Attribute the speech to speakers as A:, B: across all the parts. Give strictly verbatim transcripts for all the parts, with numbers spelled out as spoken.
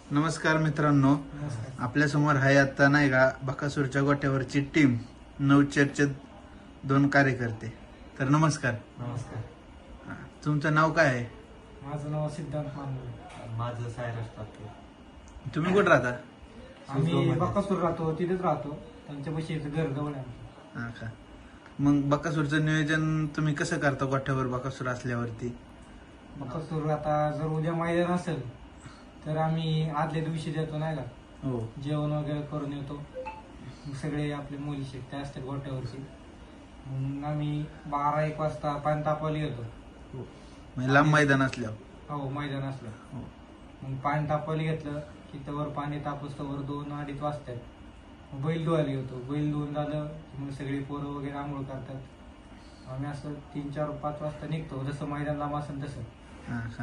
A: नमस्कार मित्रांनो, आपल्या समोर आहे आता नाही का बकासूरच्या गोट्यावरची टीम नवचेरचे दोन कार्यकर्ते. तर नमस्कार.
B: नमस्कार.
A: हा, तुमचं नाव काय आहे?
B: माझं नाव सिद्धांत मानवे. माझं सायरस टाके.
A: तुम्ही कुठं राहता?
B: आम्ही बकासूर राहतो, तिथेच राहतो. त्यांच्या पैसे घर जवळ आहे.
A: हा का. मग बकासूरचं नियोजन तुम्ही कसं करता गोठ्यावर बकासूर असल्यावरती?
B: बकासूर आता जर उद्या मैदान असेल तर आम्ही आदल्या दिवशी देतो नाही का,
A: हो.
B: जेवण वगैरे करून येतो. मग सगळे आपले मुली शिकते असतात गोट्यावरची. मग आम्ही बारा एक वाजता पाणी तापवायला येतो.
A: म्हणजे लांब मैदान असल्यावर?
B: हो, मैदान असलं.
A: हो.
B: मग पाणी तापवायला घेतलं की तवर पाणी तापस तवर दोन अडीच वाजतात. मग बैल धुवायला येतो. बैल धुवून झालं मग सगळी पोरं वगैरे आंघोळ करतात. आम्ही असं तीन चार पाच वाजता निघतो, जसं मैदान लांब असेल तसं.
A: हा का.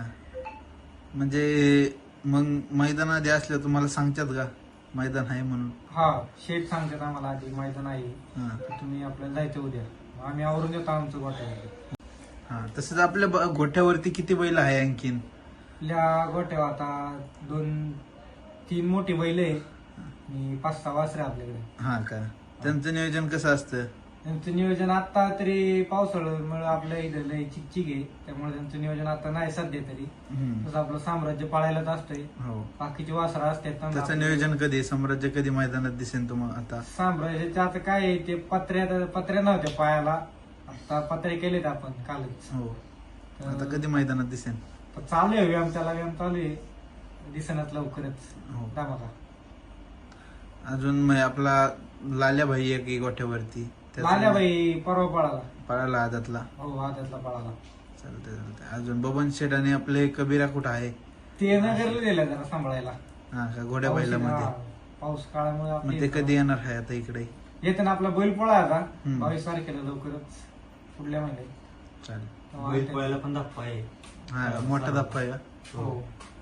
A: म्हणजे मग मैदान आधी असल्यावर तुम्हाला सांगतात का मैदान आहे म्हणून?
B: हा, शेठ सांगतात आम्हाला आधी मैदान आहे,
A: हा.
B: तर तुम्ही आपल्याला जायचं उद्या. मग आम्ही आवरून देतो आमचं गोट्यावर.
A: हा, तसंच आपल्या ब- गोठ्यावरती किती बैल आहे आणखीन?
B: आपल्या गोट्यावर आता दोन तीन मोठी बैल आहे आणि पाच सहा वासरे आपल्याकडे.
A: हा का. त्यांचं नियोजन कसं असतं?
B: त्यांचं नियोजन आता तरी पावसाळ्यामुळे आपल्या इथं लय चिकचिक आहे, त्यामुळे त्यांचं नियोजन आता नाही सध्या तरी.
A: हम्म.
B: तसं आपलं साम्राज्य पाळायलाच असतंय.
A: हो.
B: बाकीची वासरं असतात त्यांना
A: त्याचं
B: आपलं-
A: नियोजन कधी, साम्राज्य कधी मैदानात दिसेल तुम्हाला आता?
B: साम्राज्याचं आता काय आहे, ते पत्र्या पत्र्या नव्हत्या पायाला, आता पत्रे केलेत आपण कालच.
A: हो.
B: तर-
A: आता कधी मैदानात दिसेल?
B: तर चालू आहे व्यायाम, त्याला व्यायाम चालू आहे, दिसण्यात लवकरच.
A: हो.
B: दामाला
A: अजून मग आपला लाल्या भाई एक आहे गोठ्यावरती. त्याचं-
B: लाल्याबाई परवा पळाला.
A: पळाला आदातला.
B: हो, आदतला पळाला.
A: चालतंय चालतंय. अजून बबन शेठ आणि आपले कबीरा कुठं आहे?
B: ते नगरला दिलं जरा सांभाळायला.
A: हा का. घोड्या
B: पाऊस-
A: बैलामध्ये.
B: हा, पाऊस काळामुळे
A: मग
B: आपले
A: ते कधी येणार आहे आता इकडे?
B: येतं ना. आपला बैल पोळा आता
A: हम्म.
B: बावीस तारखेला लवकरच, पुढल्या महिन्यात.
A: चालेल.
B: तेव्हा
C: बैल
B: ते-
C: पोळ्याला पण धप्पा आहे.
A: हा, मोठा धप्पा आहे का?
B: हो.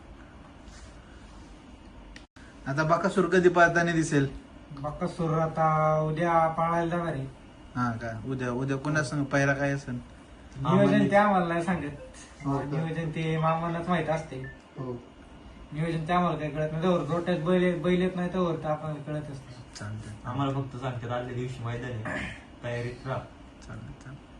A: आता बकासूर कधी पाहताना दिसेल?
B: बकासूर आता उद्या पाळायला जाणार आहे.
A: हा का. उद्या उद्या कोणा संग पायरा काय असेल?
B: नियोजन ते आम्हाला नाही सांगत.
A: हो का?
B: नियोजन ते मामांनाच माहित असते.
A: हो.
B: नियोजन ते आम्हाला काही कळत नाही. जवळ रोट्यात बैल बैल येत नाही तर तर आपण कळतच नाही.
A: चालतंय
C: आम्हाला फक्त सांगतात आदल्या दिवशी मैदान आहे, तयारीत राहा.
A: चालतंय चालतंय.